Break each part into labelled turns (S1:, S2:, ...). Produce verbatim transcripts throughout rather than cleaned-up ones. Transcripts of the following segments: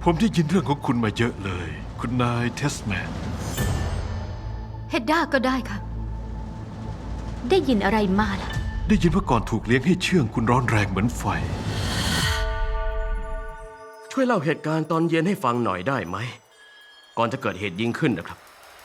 S1: ผมได้ยินเรื่องของคุณมาเยอะเลย คุณนายเทสแมน
S2: เฮดด้าก็ได้ค่ะ ได้ยินอะไรมาล่ะ
S1: ได้ยินว่าก่อนถูกเลี้ยงให้เชื่องคุณร้อนแรงเหมือนไฟ
S3: ช่วยเล่าเหตุการณ์ตอนเย็นให้ฟังหน่อยได้ไหม ก่อนจะเกิดเหตุยิงขึ้นนะครับ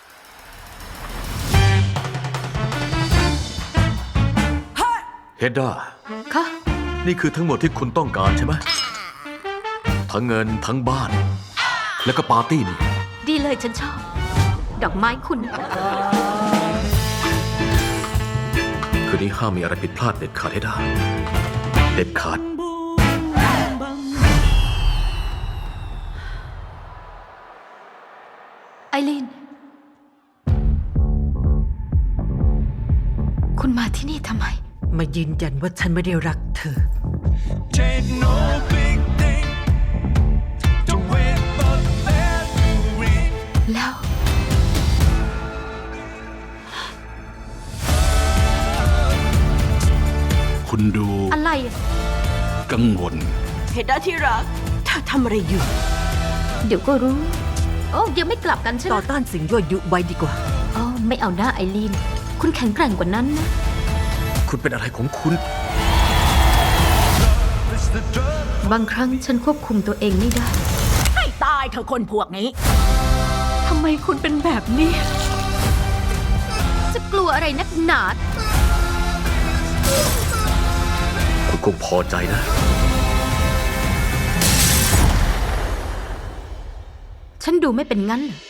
S4: เฮดด้า
S2: ค่ะ
S4: นี่คือทั้งหมดที่คุณต้องการใช่ไหมทั้งเงินทั้งบ้าน แล้วก็ปาร์ตี้นี่
S2: ดีเลยฉันชอบ ดอกไม้คุณ
S4: คืนนี้ห้ามมีอะไรผิดพลาดเด็ดขาดให้ได้ เด็ดขาด
S2: ไอรีน คุณมาที่นี่ทำไม
S5: มายืนยันว่าฉันไม่ได้รักเธอ
S6: Ain't no big thing to wait for the bell to ring.
S2: แล้ว
S1: คุณดู
S2: อะไรอะ
S1: กังวล
S5: เฮดด้าที่รักเธอทำอะไรอยู่
S2: เดี๋ยวก็รู้ โอ้ยังไม่กลับกันใช่ไหม
S5: ต่อต้านสิ่งยั่วยุไว้ดีกว่า
S2: อ๋อไม่เอาหน้าไอรีน คุณแข็งแกร่งกว่านั้นนะ
S4: คุณเป็นอะไรของคุณ
S6: It's the drug.
S2: บางครั้งฉันควบคุมตัวเองไม่ได้
S5: ให้ตายเธอคนพวกนี้
S2: ทำไมคุณเป็นแบบนี้ จะกลัวอะไรนักหนา
S4: คุณคงพอใจนะ
S2: ฉันดูไม่เป็นงั้นเหรอ